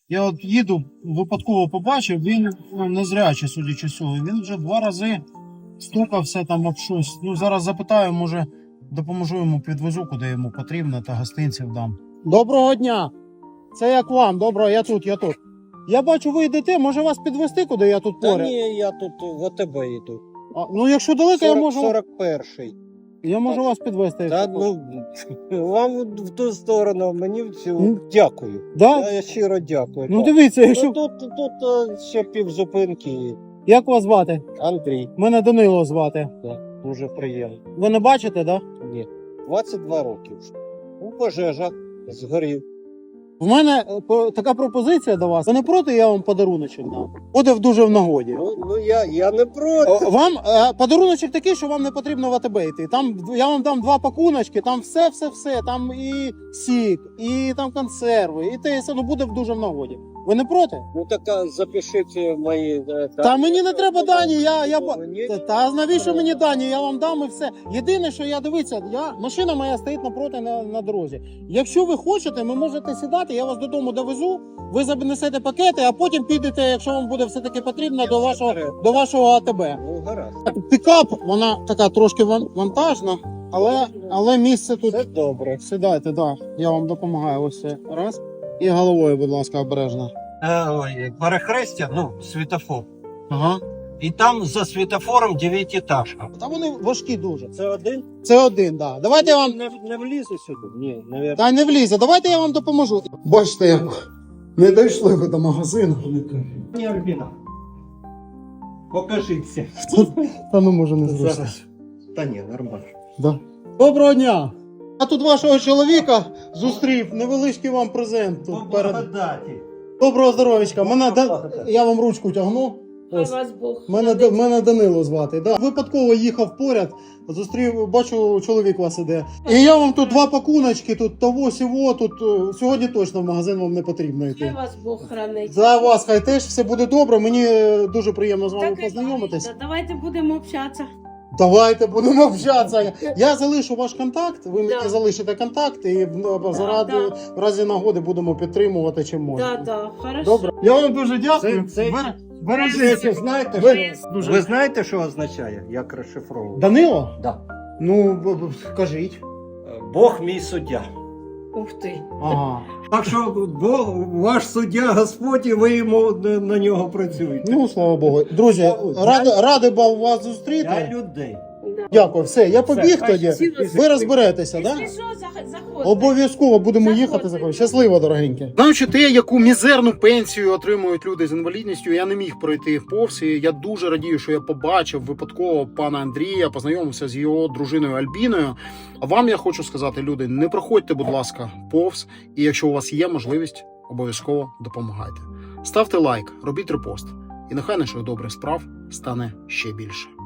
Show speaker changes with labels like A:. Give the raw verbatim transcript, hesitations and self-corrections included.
A: Я от їду, випадково побачив, він ну, незрячий, судячи з цього. Він вже два рази стукався там об щось. Ну, зараз запитаю, може допоможу йому, підвезу, куди йому потрібно, та гостинців дам. Доброго дня! Це як вам? Доброго, я тут, я тут. Я бачу, ви йдете, може вас підвезти, куди я тут
B: Та
A: поряд?
B: ні, я тут в АТБ йду.
A: А, ну, якщо далеко, я можу,
B: сорок перший.
A: я можу вас підвезти.
B: Та ну, вам в ту сторону, мені всю.
A: Ну,
B: Дякую.
A: Да?
B: Я щиро дякую.
A: Ну
B: так.
A: дивіться, якщо...
B: Ну, тут, тут а, ще півзупинки.
A: Як вас звати?
B: Андрій,
A: Мене Данило звати.
B: так, дуже приємно.
A: Ви не бачите, так? Да?
B: Ні. двадцять два роки вже. У пожежах згорів.
A: В мене е, по- така пропозиція до вас. Ви не проти, я вам подаруночок дам? Буде в дуже в нагоді.
B: Ну, ну я, я не проти.
A: О, Вам е, подаруночок такий, що вам не потрібно в АТБ йти. Там я вам дам два пакуночки, там все, все, все. Там і сік, і там консерви, і те, і все. Ну буде в дуже в нагоді. Ви не проти?
B: Ну так а, запишіть мої. е,
A: Та
B: дані.
A: мені не треба дані, я, я... ба-
B: Мені-
A: Та, та навіщо мені дані? Я вам дам і все. Єдине, що я дивіться, я машина моя стоїть напроти на, на дорозі. Якщо ви хочете, ви можете сідати, я вас додому довезу, ви занесете пакети, а потім підете, якщо вам буде все таки потрібно, до вашого до вашого АТБ.
B: Ну гаразд.
A: Пікап, вона така трошки ван- вантажна, але, але місце тут.
B: Це добре.
A: Сідайте, да. Я вам допомагаю. Ось це раз. І головою, будь ласка, обережно.
B: Е, ой, перехрестя, ну, світофор.
A: Ага.
B: І там за світофором дев'ятиэтажка.
A: Та вони важкі дуже.
B: Це один?
A: Це один, да. Давайте я вам.
B: Не, не влізе сюди? Ні, навіть.
A: Та не влізе, давайте я вам допоможу. Бачите, як не дійшли ви до магазину.
B: Ні, Альбіна. Покажіться.
A: Та ну може не зручно.
B: Зараз. Та ні, нормально.
A: Да. Доброго дня! Я тут вашого чоловіка зустрів, невеличкий вам презент тут перед.
B: Благодаті.
A: Доброго здоров'ячка. Мене да...
B: Благодать.
A: Я вам ручку тягну.
C: Хай
A: Ось.
C: вас Бог.
A: Мене, Да- мене Данило звати. Да. Випадково їхав поряд, зустрів, бачу, чоловік у вас іде. І я вам тут два пакуночки, тут того сього, тут е, сьогодні точно в магазин вам не потрібно
C: Хай
A: йти.
C: вас Бог хранить.
A: За вас хай теж все буде добре. Мені е, дуже приємно з вами
C: Так,
A: познайомитись.
C: да, давайте будемо общатися.
A: Давайте будемо общатися. Я залишу ваш контакт, ви мені
C: Да.
A: залишите контакт, і ну, заради,
C: да.
A: в разі нагоди будемо підтримувати чим можна.
C: Да, да, хорошо.
A: Добре. Я вам дуже дякую.
B: Це- це-
A: Бер-
B: Ви
A: Бережіться.
B: знаєте,
A: Ви-
B: що,
A: дуже-
B: ви знаєте, що означає, як розшифровувати?
A: Данило?
B: Да.
A: Ну, б- б- кажіть.
B: Бог мій суддя.
C: Ух ти.
A: Ага.
B: Так що Бог, ваш суддя Господь, і ви йому на, на нього працюєте.
A: Ну, слава Богу. Друзі,
B: Я-
A: радий радий був вас
B: Для
A: зустріти.
B: людей.
C: Да.
A: Дякую, все, я побіг
B: Все,
A: тоді.
C: спасибо.
A: Ви розберетеся, так?
C: Якщо що, зах- заходьте.
A: Обов'язково будемо
C: Заходьте.
A: їхати за щасливо, дорогенькі. Знаючи те, яку мізерну пенсію отримують люди з інвалідністю, я не міг пройти повз. І я дуже радію, що я побачив випадково пана Андрія, познайомився з його дружиною Альбіною. А вам я хочу сказати, люди, не проходьте, будь ласка, повз. І якщо у вас є можливість, обов'язково допомагайте. Ставте лайк, робіть репост. І нехай наших добрих справ стане ще більше.